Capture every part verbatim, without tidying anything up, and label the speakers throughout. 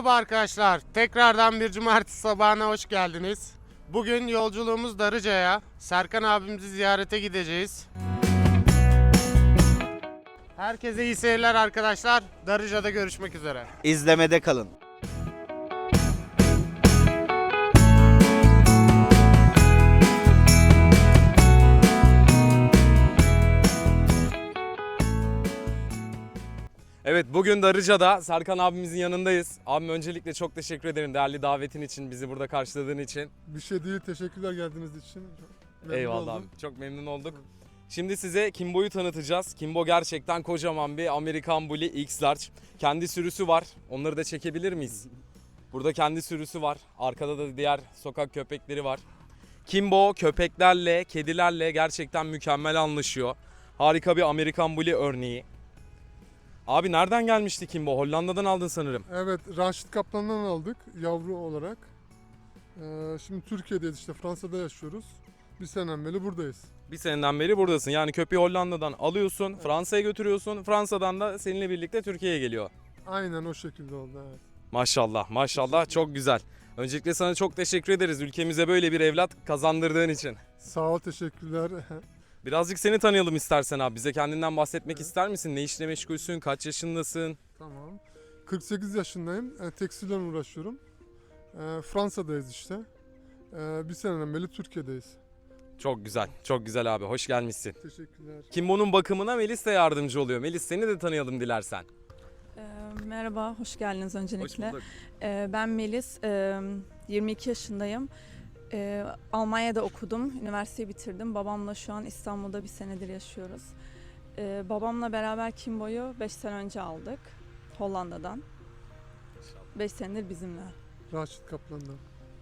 Speaker 1: Merhaba arkadaşlar. Tekrardan bir cumartesi sabahına hoş geldiniz. Bugün yolculuğumuz Darıca'ya. Serkan abimizi ziyarete gideceğiz. Herkese iyi seyirler arkadaşlar. Darıca'da görüşmek üzere.
Speaker 2: İzlemede kalın.
Speaker 3: Evet, bugün Darıca'da Serkan abimizin yanındayız. Abim öncelikle çok teşekkür ederim değerli davetin için, bizi burada karşıladığın için.
Speaker 4: Bir şey değil, teşekkürler geldiğiniz için. Memnun
Speaker 3: Eyvallah
Speaker 4: oldum.
Speaker 3: abi, çok memnun olduk. Şimdi size Kimbo'yu tanıtacağız. Kimbo gerçekten kocaman bir Amerikan Bully X-Large. Kendi sürüsü var, onları da çekebilir miyiz? Burada kendi sürüsü var, arkada da diğer sokak köpekleri var. Kimbo köpeklerle, kedilerle gerçekten mükemmel anlaşıyor. Harika bir Amerikan Bully örneği. Abi nereden gelmişti Kimbo? Hollanda'dan aldın sanırım.
Speaker 4: Evet, Raşit Kaplan'dan aldık yavru olarak. Ee, şimdi Türkiye'deyiz, işte Fransa'da yaşıyoruz. Bir seneden beri buradayız.
Speaker 3: Bir seneden beri buradasın. Yani köpeği Hollanda'dan alıyorsun, Fransa'ya götürüyorsun. Fransa'dan da seninle birlikte Türkiye'ye geliyor.
Speaker 4: Aynen o şekilde oldu, evet.
Speaker 3: Maşallah, maşallah, çok güzel. Öncelikle sana çok teşekkür ederiz ülkemize böyle bir evlat kazandırdığın için.
Speaker 4: Sağ ol, teşekkürler.
Speaker 3: Birazcık seni tanıyalım istersen abi. Bize kendinden bahsetmek
Speaker 4: Evet.
Speaker 3: ister misin? Ne işle meşgulsün? Kaç yaşındasın?
Speaker 4: Tamam. kırk sekiz yaşındayım, e, tekstilden uğraşıyorum. E, Fransa'dayız işte. E, bir seneden beri Türkiye'deyiz.
Speaker 3: Çok güzel, çok güzel abi. Hoş gelmişsin.
Speaker 4: Teşekkürler.
Speaker 3: Kimbo'nun bakımına Melis de yardımcı oluyor. Melis, seni de tanıyalım dilersen.
Speaker 5: Ee, Merhaba, hoş geldiniz öncelikle.
Speaker 3: Hoş bulduk.
Speaker 5: Ee, Ben Melis, ee, yirmi iki yaşındayım. Ee, Almanya'da okudum, üniversiteyi bitirdim. Babamla şu an İstanbul'da bir senedir yaşıyoruz. Ee, Babamla beraber Kimbo'yu beş sene önce aldık, Hollanda'dan. beş senedir bizimle.
Speaker 4: Raşit Kaplan'dan.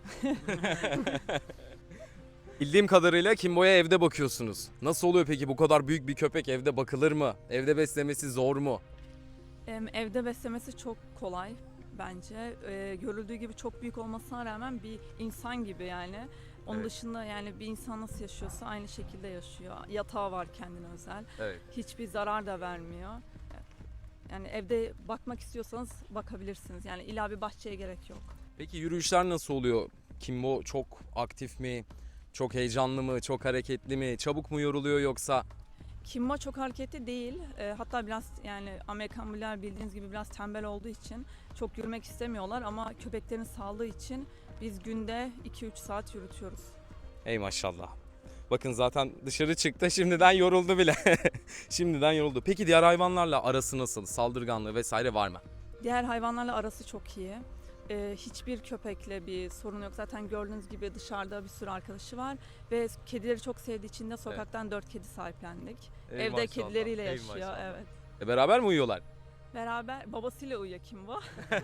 Speaker 3: Bildiğim kadarıyla Kimbo'ya evde bakıyorsunuz. Nasıl oluyor peki, bu kadar büyük bir köpek evde bakılır mı? Evde beslemesi zor mu?
Speaker 5: Ee, Evde beslemesi çok kolay bence. Ee, görüldüğü gibi çok büyük olmasına rağmen bir insan gibi yani. Onun
Speaker 3: Evet.
Speaker 5: dışında yani bir insan nasıl yaşıyorsa aynı şekilde yaşıyor. Yatağı var kendine özel.
Speaker 3: Evet.
Speaker 5: Hiçbir zarar da vermiyor. Yani evde bakmak istiyorsanız bakabilirsiniz. Yani illa bir bahçeye gerek yok.
Speaker 3: Peki yürüyüşler nasıl oluyor? Kimbo çok aktif mi? Çok heyecanlı mı? Çok hareketli mi? Çabuk mu yoruluyor yoksa?
Speaker 5: Kimbo çok hareketli değil. Ee, hatta biraz yani Amerikan Bully'ler bildiğiniz gibi biraz tembel olduğu için çok yürümek istemiyorlar ama köpeklerin sağlığı için biz günde iki üç saat yürütüyoruz.
Speaker 3: Ey maşallah. Bakın zaten dışarı çıktı, şimdiden yoruldu bile. Şimdiden yoruldu. Peki diğer hayvanlarla arası nasıl? Saldırganlığı vesaire var mı?
Speaker 5: Diğer hayvanlarla arası çok iyi. Ee, hiçbir köpekle bir sorun yok. Zaten gördüğünüz gibi dışarıda bir sürü arkadaşı var. Ve kedileri çok sevdiği için de sokaktan dört kedi sahiplendik.
Speaker 3: Ey
Speaker 5: Evde
Speaker 3: maşallah,
Speaker 5: kedileriyle
Speaker 3: ey
Speaker 5: yaşıyor.
Speaker 3: maşallah.
Speaker 5: Evet.
Speaker 3: E beraber mi uyuyorlar?
Speaker 5: Beraber babasıyla uyuyor Kimbo.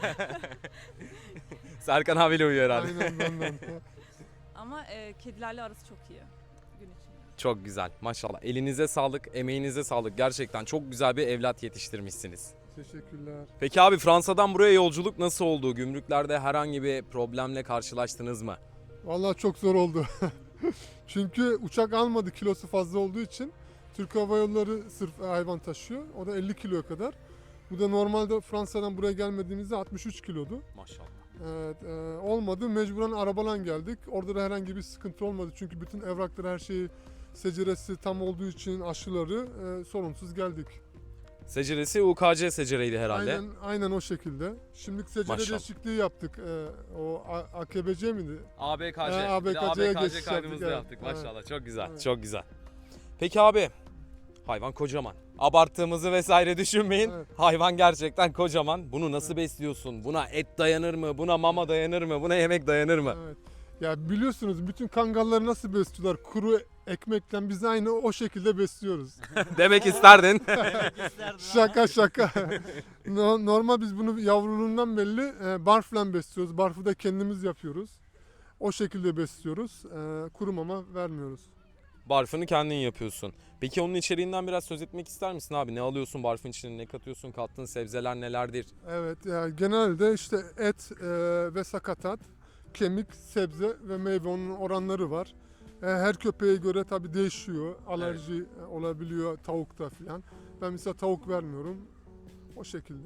Speaker 3: Serkan abiyle uyuyor herhalde.
Speaker 4: Aynen benden.
Speaker 5: Ama e, kedilerle arası çok iyi gün içinde.
Speaker 3: Çok güzel maşallah. Elinize sağlık, emeğinize sağlık. Gerçekten çok güzel bir evlat yetiştirmişsiniz.
Speaker 4: Teşekkürler.
Speaker 3: Peki abi, Fransa'dan buraya yolculuk nasıl oldu? Gümrüklerde herhangi bir problemle karşılaştınız mı?
Speaker 4: Vallahi çok zor oldu. Çünkü uçak almadı, kilosu fazla olduğu için. Türk Hava Yolları sırf hayvan taşıyor. O da elli kiloya kadar. Bu da normalde Fransa'dan buraya gelmediğimizde altmış üç kilodu.
Speaker 3: Maşallah.
Speaker 4: Evet, e, olmadı. Mecburen arabayla geldik. Orada da herhangi bir sıkıntı olmadı. Çünkü bütün evrakları, her şeyi, seceresi tam olduğu için aşıları e, sorunsuz geldik.
Speaker 3: Seceresi U K C secereydi herhalde.
Speaker 4: Aynen, aynen o şekilde. Şimdi secere
Speaker 3: Maşallah.
Speaker 4: değişikliği yaptık. E, o A- AKBC miydi?
Speaker 3: A B K C.
Speaker 4: Ee,
Speaker 3: Bir de
Speaker 4: A B K C'ye
Speaker 3: A B K C
Speaker 4: geçiş
Speaker 3: kaydımızı da
Speaker 4: yaptık,
Speaker 3: yaptık.
Speaker 4: evet.
Speaker 3: Maşallah, çok güzel.
Speaker 4: Evet.
Speaker 3: Çok güzel. Peki abi, hayvan kocaman. Abarttığımızı vesaire düşünmeyin.
Speaker 4: Evet.
Speaker 3: Hayvan gerçekten kocaman. Bunu nasıl besliyorsun? Buna et dayanır mı? Buna mama dayanır mı? Buna yemek dayanır mı?
Speaker 4: Evet. Ya biliyorsunuz bütün kangalları nasıl besliyorlar? Kuru ekmekten biz aynı o şekilde besliyoruz.
Speaker 3: Demek isterdin.
Speaker 4: Şaka şaka. No- Normal biz bunu yavruluğundan belli e, barfla besliyoruz. Barfı da kendimiz yapıyoruz. O şekilde besliyoruz. E, kuru mama vermiyoruz.
Speaker 3: Barfını kendin yapıyorsun. Peki onun içeriğinden biraz söz etmek ister misin abi? Ne alıyorsun barfın içine? Ne katıyorsun? Kattığın sebzeler nelerdir?
Speaker 4: Evet, yani genelde işte et e, ve sakatat, kemik, sebze ve meyve, onun oranları var. E, her köpeğe göre tabii değişiyor. Alerji olabiliyor tavukta falan. Ben mesela tavuk vermiyorum. O şekilde.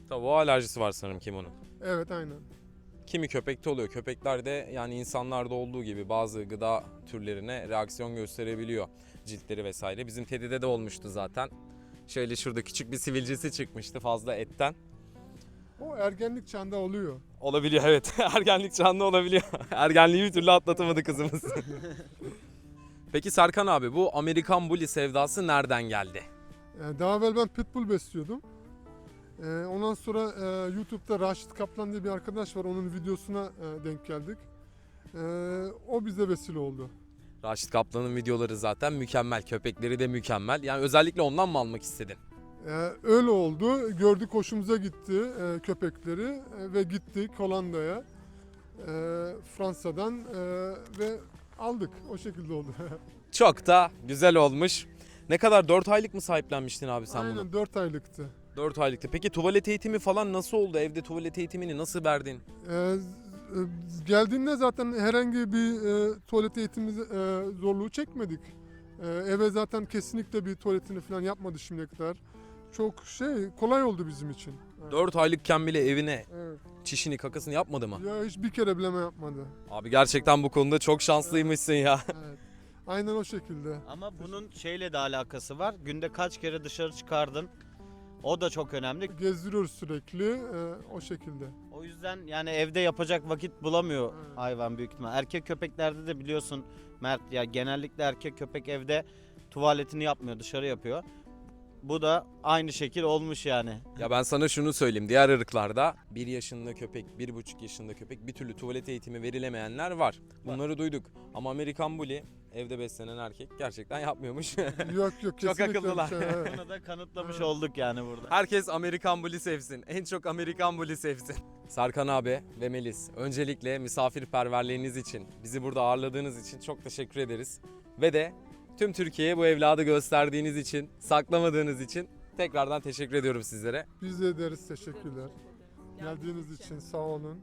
Speaker 3: Tavuğa alerjisi var sanırım kimonun.
Speaker 4: Evet, aynen.
Speaker 3: Kimi köpekte oluyor. Köpeklerde yani insanlarda olduğu gibi bazı gıda türlerine reaksiyon gösterebiliyor. Ciltleri vesaire. Bizim Teddy'de de olmuştu zaten. Şöyle şurada küçük bir sivilcesi çıkmıştı fazla etten.
Speaker 4: O ergenlik çağında oluyor.
Speaker 3: Olabiliyor evet. Ergenlik çağında olabiliyor. Ergenliği bir türlü atlatamadı kızımız. Peki Serkan abi, bu Amerikan Bully sevdası nereden geldi?
Speaker 4: Yani daha evvel ben pitbull besliyordum. Ee, ondan sonra e, YouTube'da Raşit Kaplan diye bir arkadaş var. Onun videosuna e, denk geldik. Ee, o bize vesile oldu.
Speaker 3: Raşit Kaplan'ın videoları zaten mükemmel. Köpekleri de mükemmel. Yani özellikle ondan mı almak istedin?
Speaker 4: Ee, öyle oldu. Gördük, hoşumuza gitti e, köpekleri e, ve gittik Hollanda'ya. E, Fransa'dan e, ve aldık. O şekilde oldu.
Speaker 3: Çok da güzel olmuş. Ne kadar dört aylık mı sahiplenmiştin abi sen bunu?
Speaker 4: Aynen, dört aylıktı.
Speaker 3: dört aylıktı. Peki tuvalet eğitimi falan nasıl oldu? Evde tuvalet eğitimini nasıl verdin?
Speaker 4: Ee, z- e, geldiğinde zaten herhangi bir e, tuvalet eğitimi e, zorluğu çekmedik. E, eve zaten kesinlikle bir tuvaletini falan yapmadı şimdiye kadar. Çok şey kolay oldu bizim için. Evet.
Speaker 3: dört aylıkken bile evine
Speaker 4: Evet.
Speaker 3: çişini kakasını yapmadı mı?
Speaker 4: Ya hiç bir kere bileme yapmadı.
Speaker 3: Abi gerçekten bu konuda çok şanslıymışsın ya.
Speaker 4: Evet. Aynen o şekilde.
Speaker 2: Ama bunun şeyle de alakası var. Günde kaç kere dışarı çıkardın? O da çok önemli.
Speaker 4: Gezdiriyoruz sürekli e, o şekilde.
Speaker 2: O yüzden yani evde yapacak vakit bulamıyor
Speaker 4: Evet.
Speaker 2: hayvan büyük ihtimal. Erkek köpeklerde de biliyorsun Mert, ya genellikle erkek köpek evde tuvaletini yapmıyor, dışarı yapıyor. Bu da aynı şekil olmuş yani.
Speaker 3: Ya ben sana şunu söyleyeyim. Diğer ırklarda bir yaşında köpek, bir buçuk yaşında köpek bir türlü tuvalet eğitimi verilemeyenler var. Bunları duyduk. Ama Amerikan Bully evde beslenen erkek gerçekten yapmıyormuş.
Speaker 4: Yok yok, kesinlikle bir
Speaker 3: akıllılar.
Speaker 4: şey, evet.
Speaker 2: Bunu da kanıtlamış
Speaker 4: Evet.
Speaker 2: olduk yani burada.
Speaker 3: Herkes Amerikan Bully sevsin. En çok Amerikan Bully sevsin. Serkan abi ve Melis, öncelikle misafirperverliğiniz için, bizi burada ağırladığınız için çok teşekkür ederiz. Ve de tüm Türkiye'ye bu evladı gösterdiğiniz için, saklamadığınız için tekrardan teşekkür ediyorum sizlere.
Speaker 4: Biz de ederiz, teşekkürler. Geldiğiniz için sağ olun.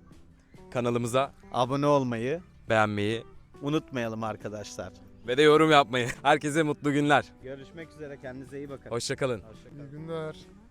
Speaker 3: Kanalımıza
Speaker 2: Abone olmayı
Speaker 3: beğenmeyi
Speaker 2: unutmayalım arkadaşlar.
Speaker 3: ve de yorum yapmayı. Herkese mutlu günler.
Speaker 2: Görüşmek üzere, kendinize iyi bakın.
Speaker 3: Hoşçakalın.
Speaker 2: Hoşça kalın.
Speaker 4: İyi günler.